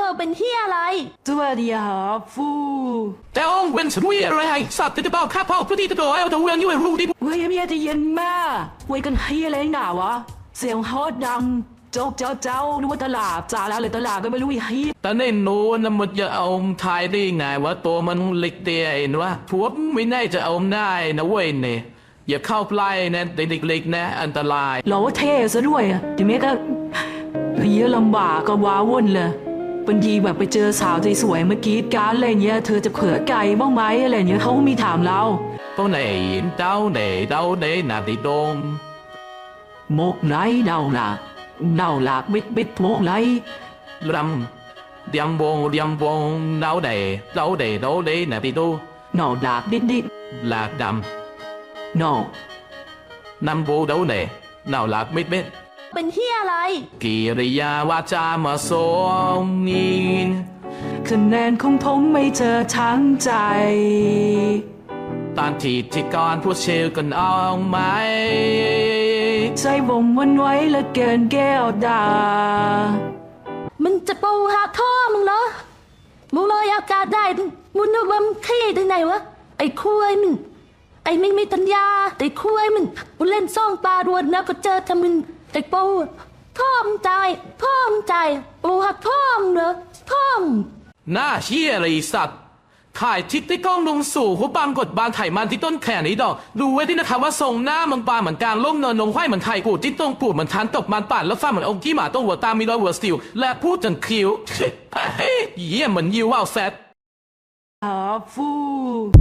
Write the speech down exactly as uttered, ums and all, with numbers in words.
เป็นเฮียอะไรสวัสดีครับฟูแต่องค์เป็นสมุยอะไรสัตว์จะบอกข้าพ่อพระที่ตะโดเอาแต่เวียนอยู่รู้ดิเว้ยเมียจะเย็นมากเว้ยกันเฮียอะไรหนาวะเสียงฮอตดังโจ๊กเจ้าเจ้านึกว่าตลาดจ่าแล้วเลยตลาดก็ไม่รู้อีเฮียแต่ในโน้นมันจะเอาทายได้ไงว่าตัวมันเล็กเตี้ยเองวะพวกไม่น่าจะเอาได้นะเว้ยเนี่ยอย่าเข้าใกล้นะเด็กเล็กๆนะอันตรายเราเท่ซะด้วยอ่ะทีนี้ก็เฮียลำบากก็ว้าวุ่นเลยบางทีแบบไปเจอสาวสวยๆเมื่อกี้การอะไรเงี้ยเธอจะเผื่อไก่บ้างไหมอะไรเงี้ยเขามีถามเราพวกไหนเต้าไหนเต้าไหนนาติโดมหมกไหนเดาหลักเดาหลักบิดบิดหมกไหนรำเดียมวงเดียมวงเต้าไหนเต้าไหนเต้าไหนนาติโดหนอหลักดิดดิดหลากดำหนอนำโบเต้าไหนเน่าหลากมิดมิดเป็นเฮียอะไรกิริยาวาจามาสมนีคะแนนของผมไม่เจอทั้งใจตอนที่ที่ก่อนพูดชื่อกันเอาไหมใจผมวันไว้ละเกินแก้วดามึงจะปูหาท่อมึงเหรอมึงลอยอากาศได้มึงนึกว่ามึงขี้ได้ไงวะไอ้คุยมึงไอ้ไม่มีปัญญาไอ้คุยมึงมึงเล่นซ่องปลาดวนแล้วก็เจอทำมึงไอ้ปูพ่อมใจพ่อมใจปูหักพ่อมเหรอพ่อมหน้าเชี่ยอะไรสัตว์ถ่ายทิศที่กล้องลงสู่หัวปังกดบานไถ่มันที่ต้นแขนนี้ดอกดูไว้ที่นะครับว่าทรงหน้ามันปลาเหมือนกลางล่มเนินนงไข่เหมือนไข่กูจิ้นตรงปูดเหมือนทานตกมันป่านแล้วฟ้าเหมือนองค์ที่หมาต้องหัวตามีรอยหัวสติลและพูดจนคิ้วเฮ้ยเยี่ยมเหมือนยิวว่าวแซดอาฟู